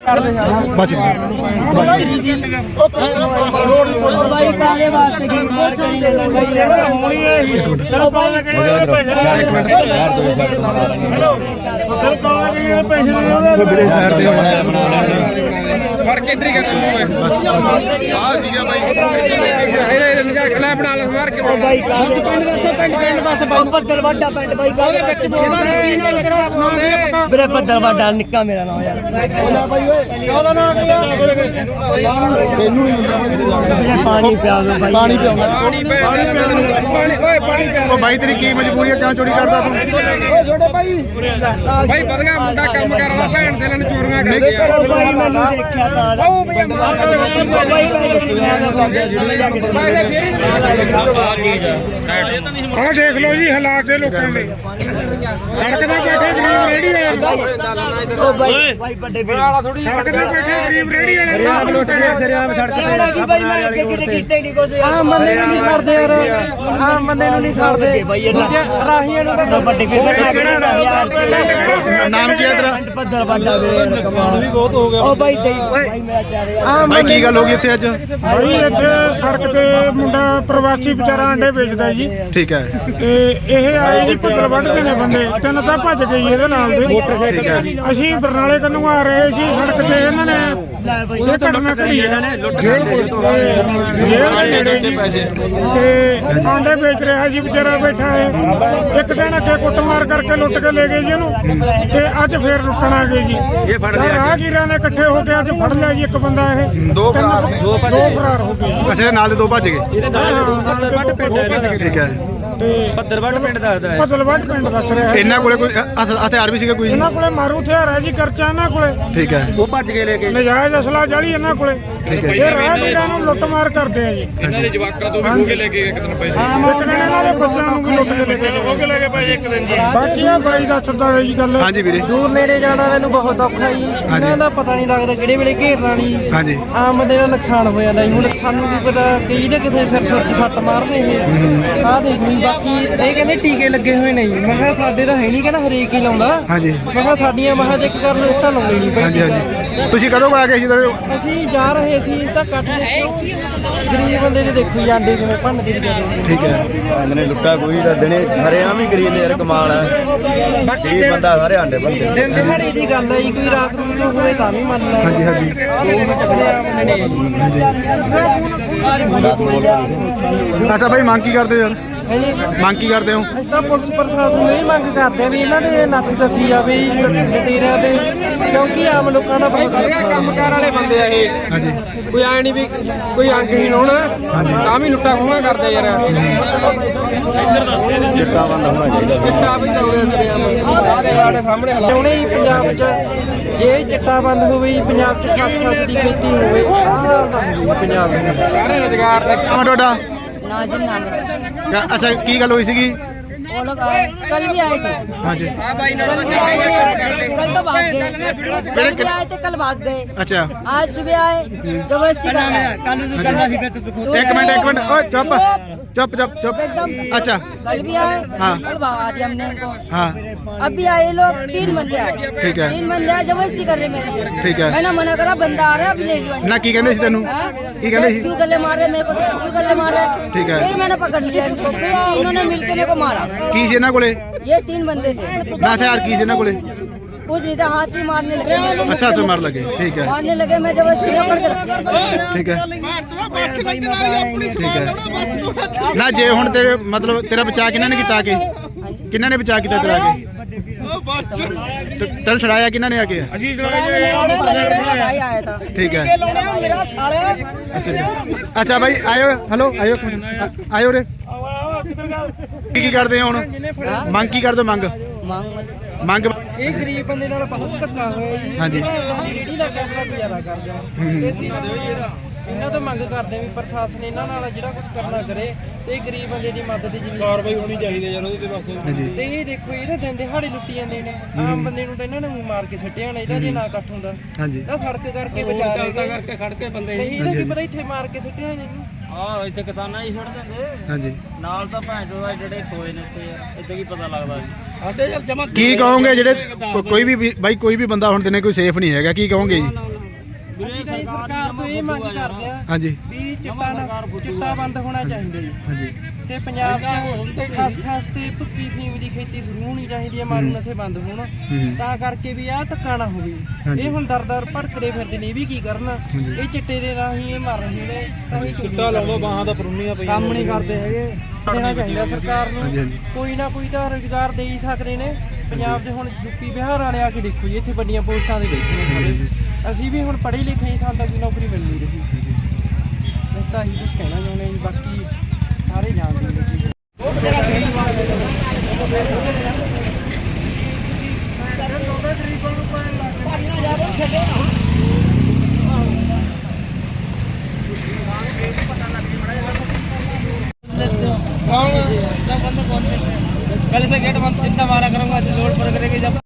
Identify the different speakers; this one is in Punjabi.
Speaker 1: बच गए
Speaker 2: दरवाजा निक्का मेरा नाम यार पानी पिया पानी
Speaker 1: भाई तेरी की मजबूरी है क्यों चोरी करता तू छोटे भाई
Speaker 3: भाई बदगा मुंडा काम कर रहा भैन दे ने चोरियां कर
Speaker 2: भाई मैंने देखा था
Speaker 3: ਆ ਦੇਖ ਲਓ ਜੀ ਹਾਲਾਤ ਦੇ ਲੋਕਾਂ ਦੇ ਸੜਕ ਤੇ ਬੈਠੇ ਗਰੀਬ ਰੇੜੀ ਵਾਲੇ
Speaker 2: ओ भाई भाई बड़े
Speaker 3: ਸੜਕ ਤੇ ਬੈਠੇ ਗਰੀਬ ਰੇੜੀ ਵਾਲੇ
Speaker 2: कि भाई मैं किते कीते नहीं कुछ हां मंदे नहीं छड़दे यार हां मंदे नहीं छड़दे राहियां नु तो बड़े यार
Speaker 1: नाम क्या तेरा
Speaker 2: दरवाजा कमाल भी बहुत हो गया ओ भाई भाई मेरा चाह रहा
Speaker 1: भाई की गल हो गई इत्थे अज
Speaker 3: ਭਾਈ ਇੱਥੇ ਸੜਕ ਤੇ ਮੁੰਡਾ ਪ੍ਰਵਾਸੀ ਵਿਚਾਰਾ ਅੰਡੇ ਵੇਚਦਾ ਜੀ
Speaker 1: ठीक है
Speaker 3: ਤੇ ਇਹ ਆਏ ਜੀ ਪੱਤਰ ਵੱਢਦੇ ਨੇ ਬੰਦੇ ਤਿੰਨ ਤਾਂ ਭੱਜ ਗਏ ਜੀ ਇਹਦੇ ਨਾਲ ਦੇ
Speaker 1: ठीक है
Speaker 3: ਅਸੀਂ ਬਰਨਾਲੇ ਕੰਨੋਂ ਆ ਰਹੇ ਸੀ ਸੜਕ ਤੇ ਇਹਨਾਂ ਨੇ ਇਹ ਘਟਨਾ ਘੜੀ ਇਹਨਾਂ ਨੇ ਲੁੱਟ ਕੇ
Speaker 1: पैसे
Speaker 3: ਤੇ ਆਂਡੇ ਵੇਚ ਰਿਹਾ ਜੀ ਵਿਚਾਰਾ ਬੈਠਾ ਹੈ ਇੱਕ ਦਿਨ ਅੱਗੇ ਕੁੱਟਮਾਰ ਕਰਕੇ ਲੁੱਟ ਕੇ ਲੈ ਗਏ ਜੀ ਇਹਨੂੰ ਤੇ ਅੱਜ ਫੇਰ ਲੁੱਟਣ ਆ ਗਏ ਜੀ ਇਹ ਰਾਹਗੀਰਾਂ ਨੇ ਇਕੱਠੇ ਹੋ ਕੇ ਅੱਜ ਫੜ ਲਿਆ ਜੀ ਇੱਕ ਬੰਦਾ ਇਹ
Speaker 1: दो फरार
Speaker 3: ਦੋ ਫਰਾਰ ਹੋ ਗਏ
Speaker 1: अच्छा नाल दे दो भज गए ठीक है
Speaker 3: ਭੱਦਲਵੱਡ ਪਿੰਡ ਦੱਸ ਰਿਹਾ
Speaker 1: ਇਹਨਾਂ ਕੋਲੇ ਕੋਈ ਹਥਿਆਰ ਵੀ ਸੀਗਾ ਕੋਈ
Speaker 3: ਇਹਨਾਂ ਕੋਲੇ ਮਾਰੂ ਹਥਿਆਰ ਹੈ ਜੀ ਕਰਚਾ ਇਹਨਾਂ ਕੋਲੇ
Speaker 1: ਠੀਕ ਹੈ
Speaker 3: ਉਹ ਭੱਜ ਕੇ ਲੈ ਕੇ ਨਜਾਇਜ਼ ਅਸਲਾ ਜਾਲੀ ਇਹਨਾਂ ਕੋਲੇ
Speaker 1: ਠੀਕ ਹੈ
Speaker 3: ਇਹ ਰਾਹਗੀਰਾਂ ਨੂੰ ਲੁੱਟ ਮਾਰ ਕਰਦੇ ਆ ਜੀ ਇਹਨਾਂ ਦੇ ਜਵਾਕਾਂ ਤੋਂ ਵੀ ਖੋਹ ਕੇ ਲੈ ਕੇ ਇੱਕ ਦਿਨ ਪੈਸੇ ਇੱਕ ਦਿਨ ਇਹਨਾਂ ਦੇ ਬੱਚਿਆਂ ਨੂੰ ਵੀ ਲੁੱਟ ਕੇ ਲੈ ਕੇ ਖੋਹ ਕੇ ਲੈ ਕੇ ਪੈਸੇ ਇੱਕ ਦਿਨ ਜੀ ਬਾਕੀ ਆ ਬਾਈ ਦੱਸਦਾ ਹੈ ਜੀ ਗੱਲ
Speaker 1: ਹਾਂਜੀ ਵੀਰੇ
Speaker 2: दूर नेड़े जाने वाले ਨੂੰ ਬਹੁਤ ਔਖਾ ਜੀ ਇਹਨਾਂ ਦਾ ਪਤਾ ਨਹੀਂ ਲੱਗਦਾ ਕਿਹੜੇ ਵੇਲੇ ਘੇਰਨਾ ਨਹੀਂ
Speaker 1: ਹਾਂਜੀ
Speaker 2: ਆਮ ਬੰਦੇ ਦਾ ਨੁਕਸਾਨ ਹੋ ਜਾਂਦਾ ਜੀ ਹੁਣ ਸਾਨੂੰ ਕੀ ਪਤਾ ਕਈ ਦੇ ਕਿਥੇ ਸਿਰ ਸੁਰ ਤੇ ਸੱਟ ਮਾਰਨੇ ਇਹ ਆਹ ਦੇਖ ਲਈ ਬਾਕੀ ਇਹ ਕਹਿੰਦੇ ਟੀਕੇ ਲੱਗੇ ਹੋਏ ਨੇ ਜੀ ਮੈਂ ਕਿਹਾ ਸਾਡੇ ਤਾਂ ਹੈ ਨਹੀਂ ਕਹਿੰਦਾ ਹਰੇਕ ਹੀ ਲਾਉਂਦਾ
Speaker 1: ਹਾਂਜੀ
Speaker 2: ਮੈਂ ਕਿਹਾ ਸਾਡੀਆਂ ਮਹਾਂ ਚੈੱਕ ਕਰ ਲਓ ਇਸ ਤਾਂ ਲਾਉਂਦੇ ਨਹੀਂ
Speaker 1: ਹਾਂਜੀ ਹਾਂਜੀ ਤੁਸੀਂ ਕਦੋਂ ਆ ਗਏ ਸੀ ਇੱਧਰ
Speaker 2: ਅਸੀਂ ਜਾ ਰਹੇ ਸੀ ਤਾਂ ਕੱਟ ਦੇਖੋ ਗਰੀਬ ਬੰਦੇ ਦੇ ਦੇਖੋ ਜੀ ਆਂਡੇ ਕਿਵੇਂ ਭੰਨਦੇ ਵਿਚਾਰੇ
Speaker 1: ਠੀਕ ਹੈ
Speaker 4: ਨੇ ਲੁੱਟਾ ਕੋਈ ਤਾਂ ਦਿਨੇ ਸਾਰੇ ਆਮ ਹੀ ਗਰੀਬ ਨੇ ਯਾਰ ਕਮਾਲ ਹੈ
Speaker 2: ਬਾਕੀ
Speaker 4: ਇਹ ਬੰਦਾ ਸਾਰੇ ਆਂਡੇ ਬੰਦੇ
Speaker 2: ਦਿਨ ਦਿਹਾੜੀ ਦੀ ਗੱਲ ਹੈ ਜੀ ਕੋਈ ਰਾਤ ਨੂੰ ਜੋ ਹੋਏ ਤਾਂ ਵੀ ਮੰਨ ਲੈ
Speaker 1: ਹਾਂਜੀ ਹਾਂਜੀ ਅੱਛਾ ਭਾਈ ਮੰਗ ਕੀ ਕਰਦੇ ਹੋ ਯਾਰ ਮੰਗ ਕੀ ਕਰਦੇ ਹੋ
Speaker 2: ਅਸੀਂ ਤਾਂ ਪੁਲਿਸ ਪ੍ਰਸ਼ਾਸਨ ਨੂੰ ਇਹ ਮੰਗ ਕਰਦੇ ਆ ਵੀ ਇਹਨਾਂ ਦੇ ਨੱਥ ਦੱਸੀ ਜਾਵੇ ਡਟੇਰਿਆਂ ਦੇ ਕਿਉਂਕਿ ਆਮ ਲੋਕਾਂ ਦਾ ਬਹੁਤ
Speaker 3: ਕੰਮਕਾਰ ਵਾਲੇ ਬੰਦੇ ਆ ਇਹ
Speaker 1: ਹਾਂਜੀ
Speaker 3: ਕੋਈ ਆਏ ਨਹੀਂ ਵੀ ਕੋਈ ਅੰਗਹੀਣ ਹੋਣਾ ਤਾਂ ਵੀ ਲੁੱਟਾ ਖੋਹਾਂ ਕਰਦੇ ਯਾਰ
Speaker 4: ਚਿੱਟਾ ਬੰਦ ਹੋਣਾ ਚਾਹੀਦਾ
Speaker 3: ਚਿੱਟਾ ਵੀ ਲਾਉਂਦੇ ਸਾਰੇ ਸਾਡੇ ਸਾਹਮਣੇ ਹਾਲਾਤ
Speaker 2: ਹੁਣੇ ਹੀ ਪੰਜਾਬ 'ਚ ਜੇ ਚਿੱਟਾ ਬੰਦ ਹੋਵੇ ਜੀ ਪੰਜਾਬ 'ਚ ਖਸ ਦੀ ਖੇਤੀ ਹੋਵੇ ਆਹ ਹਾਲ ਤਾਂ ਹੁੰਦੀ ਪੰਜਾਬ ਦੇ
Speaker 3: ਸਾਰੇ ਰੁਜ਼ਗਾਰ ਦਾ
Speaker 1: ਨਾਮ ਤੁਹਾਡਾ
Speaker 5: नाजिम नाम है।
Speaker 1: ਅੱਛਾ ਕੀ ਗੱਲ ਹੋਈ ਸੀਗੀ
Speaker 5: वो लोग कल भी आए थे
Speaker 1: ਹਾਂਜੀ
Speaker 5: कल भी आए थे कल तो भाग गए कल भी आए थे कल भाग गए
Speaker 1: ਅੱਛा
Speaker 5: आज सुबह आए जबरदस्ती कर रहे हैं।
Speaker 1: ਇੱਕ ਮਿੰਟ ਓਏ ਚੁੱਪ चुप चुप चुप अच्छा
Speaker 5: कल भी आए
Speaker 1: हाँ
Speaker 5: कल भगा दिया हमने इनको
Speaker 1: हाँ
Speaker 5: अब भी आए लोग 3 बंदे आए
Speaker 1: ठीक है
Speaker 5: 3 बंदे आए जबरदस्ती कर रहे मेरे से
Speaker 1: ठीक है
Speaker 5: मैंने मना करा बंदा आ रहा है अब ले लो
Speaker 1: ना की कहते तेनू की कहते
Speaker 5: क्यों गले मार रहे मेरे को क्यों गले मार रहे
Speaker 1: ठीक है
Speaker 5: फिर मैंने पकड़ लिया इनको फिर इन्होंने मिलके मेरे को मारा
Speaker 1: की से ना कोले
Speaker 5: ये 3 बंदे थे
Speaker 1: ना हथियार की से ना कोले
Speaker 5: कुछ नहीं था हाथ से मारने लगे
Speaker 1: अच्छा तो मार लगे ठीक है
Speaker 5: मारने लगे मैं जबरदस्ती पकड़ के रख दिया
Speaker 1: ठीक है ठीक है ना जे हुण तेरे मतलब तेरा बचा किन्ना ने कीता आके किन्ना ने बचा कीता तेरा आके तेन छड़ाया किन्ना ने आके
Speaker 5: भाई आया था
Speaker 1: ठीक है अच्छा अच्छा अच्छा भाई आयो हेलो आयो आयो रे की करते हैं हुण मंग की करदे मंग ਮੰਗ
Speaker 2: ਇਹ ਗਰੀਬ ਬੰਦੇ ਨਾਲ ਬਹੁਤ ਧੱਕਾ ਹੋਇਆ ਜੀ
Speaker 1: ਹਾਂਜੀ
Speaker 2: ਰੇੜੀ ਦਾ ਕੈਮਰਾ ਗੁਜ਼ਾਰਾ ਕਰਦੇ ਆ ਤੇ ਅਸੀਂ ਇਹਨਾਂ ਤੋਂ ਮੰਗ ਕਰਦੇ ਵੀ ਪ੍ਰਸ਼ਾਸਨ ਇਹਨਾਂ ਨਾਲ ਜਿਹੜਾ ਕੁਝ ਕਰਨਾ ਕਰੇ ਤੇ ਗਰੀਬ ਬੰਦੇ ਦੀ ਮਦਦ ਦੀ ਕਾਰਵਾਈ ਹੋਣੀ ਚਾਹੀਦੀ ਯਾਰ ਉਹਦੇ ਤੇ ਬਸ
Speaker 1: ਹਾਂਜੀ
Speaker 2: ਤੇ ਇਹ ਦੇਖੋ ਇਹਦੇ ਦਿਨ ਦਿਹਾੜੇ ਲੁੱਟੀ ਜਾਂਦੇ ਨੇ ਆਮ ਬੰਦੇ ਨੂੰ ਤਾਂ ਇਹਨਾਂ ਨੇ ਮਾਰ ਕੇ ਸੱਟਿਆ ਨਾ ਇਹਦਾ ਜੇ ਨਾ ਇਕੱਠ ਹੁੰਦਾ
Speaker 1: ਹਾਂਜੀ
Speaker 2: ਨਾ ਸੜਕ ਕਰਕੇ ਬਚਾ ਰਹੇ ਕਰਕੇ ਖੜ ਕੇ ਬੰਦੇ ਨਹੀਂ ਇਹਦਾ ਕੀ ਪਤਾ ਇੱਥੇ ਮਾਰ ਕੇ ਸੱਟਿਆ ਇਹਨੂੰ
Speaker 6: ਆਹ ਇੱਥੇ ਕਿਤਾਨਾ ਹੀ ਛੱਡ ਦਿੰਦੇ
Speaker 1: ਹਾਂਜੀ
Speaker 6: ਨਾਲ ਤਾਂ ਭੈਣ ਚੋਦ ਜਿਹੜੇ ਖੋਏ ਨੇ ਇੱਥੇ ਯਾਰ ਇੱਥੇ ਕੀ ਪਤਾ ਲੱਗਦਾ ਸਾਡੇ ਯਾਰ ਜਮਾ
Speaker 1: ਕੀ ਕਹੋਗੇ ਜਿਹੜੇ ਕੋਈ ਵੀ ਬਾਈ ਕੋਈ ਵੀ ਬੰਦਾ ਹੁਣ ਦਿਨੇ ਕੋਈ ਸੇਫ ਨਹੀਂ ਹੈਗਾ ਕੀ ਕਹੋਗੇ ਜੀ
Speaker 2: ਅਸੀਂ ਤਾਂ ਜੀ ਸਰਕਾਰ ਤੋਂ ਇਹ ਮੰਗ ਕਰਦੇ ਆ
Speaker 1: ਹਾਂਜੀ
Speaker 2: ਵੀ ਚਿੱਟਾ ਬੰਦ ਹੋਣਾ ਚਾਹੀਦਾ ਜੀ
Speaker 1: ਹਾਂਜੀ
Speaker 2: ਤੇ ਪੰਜਾਬ 'ਚ ਖਾਸ ਤੇ ਭੁੱਕੀ ਫੀਮ ਦੀ ਖੇਤੀ ਸ਼ੁਰੂ ਹੋਣੀ ਚਾਹੀਦੀ ਹੈ, ਮਾਰੂ ਨਸ਼ੇ ਬੰਦ ਹੋਣ ਤਾਂ ਕਰਕੇ ਵੀ ਆਹ ਧੱਕਾ ਨਾ ਹੋਵੇ। ਇਹ ਹੁਣ ਦਰ ਭੜਕਦੇ ਫਿਰਦੇ ਨੇ, ਇਹ ਵੀ ਕੀ ਕਰਨ, ਇਹ ਚਿੱਟੇ ਦੇ ਰਾਹੀਂ ਇਹ ਮਰ ਰਹੇ ਨੇ ਤਾਂ ਇਹ ਚਿੱਟਾ ਲਾਉਂਦਾ ਬਾਹਾਂ ਦਾ ਪਰੂਨੀਆਂ ਪਈਆਂ ਕੰਮ ਨਹੀਂ ਕਰਦੇ ਹੈਗੇ। ਦੇਣਾ ਚਾਹੀਦਾ ਸਰਕਾਰ ਨੂੰ, ਕੋਈ ਨਾ ਕੋਈ ਤਾਂ ਰੁਜ਼ਗਾਰ ਦੇ ਹੀ ਸਕਦੇ ਨੇ। ਪੰਜਾਬ 'ਚ ਹੁਣ ਯੂਪੀ ਬਿਹਾਰ ਵਾਲੇ ਆ ਕੇ ਦੇਖੋ ਜੀ, ਇੱਥੇ ਵੱਡੀਆਂ ਪੋਸਟਾਂ ਦੇ ਬੈਠੇ ਨੇ ਸਾਰੇ। ਅਸੀਂ ਵੀ ਹੁਣ ਪੜ੍ਹੇ ਲਿਖੇ ਹੀ, ਸਾਨੂੰ ਤਾਂ ਕੋਈ ਨੌਕਰੀ ਮਿਲ ਨਹੀਂ ਰਹੀ। ਬਸ ਤਾਂ ਇਹੀ ਕੁਛ ਕਹਿਣਾ ਚਾਹੁੰਦੇ ਜੀ, ਬਾਕੀ ਸਾਰੇ ਜਾਣਦੇ ਨੇ ਜੀ।
Speaker 3: ਗਰੀਬਾਂ ਨੂੰ ਪੈਣ ਲੱਗ